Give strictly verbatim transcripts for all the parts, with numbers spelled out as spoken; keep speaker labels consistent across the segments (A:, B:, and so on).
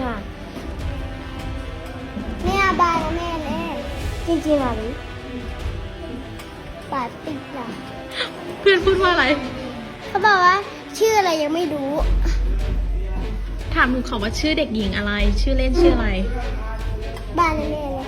A: ๆอ่ะเนี่ยบ้านนะแม่แน่จริงๆอ่ะหรือปาติกล่ะ
B: เพื่อนพูดว่าอะไร
A: เขาบอกว่าชื่ออะไรยังไม่รู้
B: ถามหนูขอว่าชื่อเด็กหญิงอะไร ชื่อเล่นชื่ออะไร
A: บ้านนะแม่เลย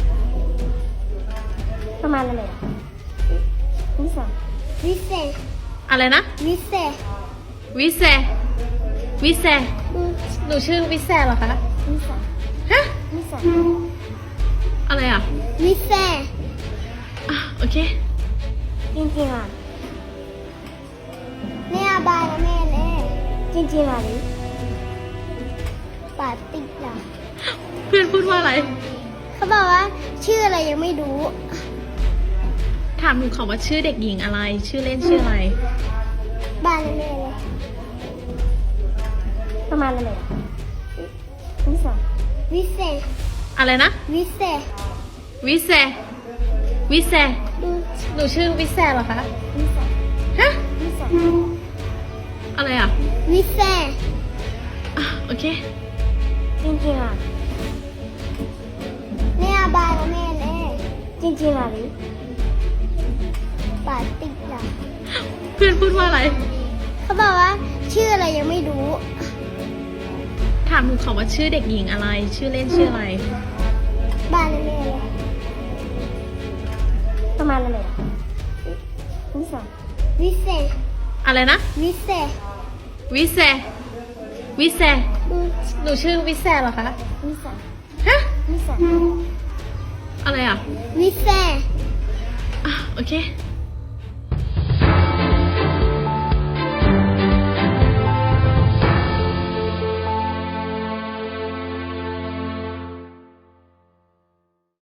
A: ประมาณอะไรอ่ะวิเศษวิเศษ
B: อะไรนะ
A: วิเศษ
B: วิเซวิเซ
A: อืม
B: หนูชื่อวิเซเหรอคะ
A: วิเศษ
B: ฮะ
A: วิเศษ
B: อะไรอ่ะ
A: วิเศษ
B: อ่ะโอเค
A: จริงๆอ่ะเนี่ยบ้านนะแม่แน่จริงๆอ่ะหรือปาติกล่ะ
B: เพื่อนพูดว่าอะไร
A: เขาบอกว่าชื่ออะไรยังไม่รู้
B: ถามหนูขอว่าชื่อเด็กหญิงอะไร ชื่อเล่นชื่ออะไร
A: บ้านนะแม่เลยประมาณอะไรอ่ะวิเศษวิเศษ
B: อะไรนะ
A: วิเศษ
B: วิเซวิเซ
A: อืม
B: หนูชื่อวิเซเหรอคะ
A: วิเศษ
B: ฮะ
A: วิเศษ
B: อะไรอ่ะ
A: วิเศษ
B: อ่ะโอเค
A: จริงๆอ่ะเนี่ยบ้านนะแม่แน่จริงๆอ่ะหรือปาติกล่ะ
B: เพื่อนพูดว่าอะไร
A: เขาบอกว่าชื่ออะไรยังไม่รู้
B: ถามหนูขอว่าชื่อเด็กหญิงอะไร ชื่อเล่นชื่ออะไร
A: บ้านนะแม่เลยประมาณอะไรอ่ะวิเศษวิเศษ
B: อะไรนะ
A: วิเศษ
B: วิเซวิเซ
A: อืม
B: หนูชื่อวิเซเหรอคะ
A: วิเศษ
B: ฮะ
A: วิเศษ
B: อะไรอ่ะ
A: วิเศษ
B: อ่ะโอเค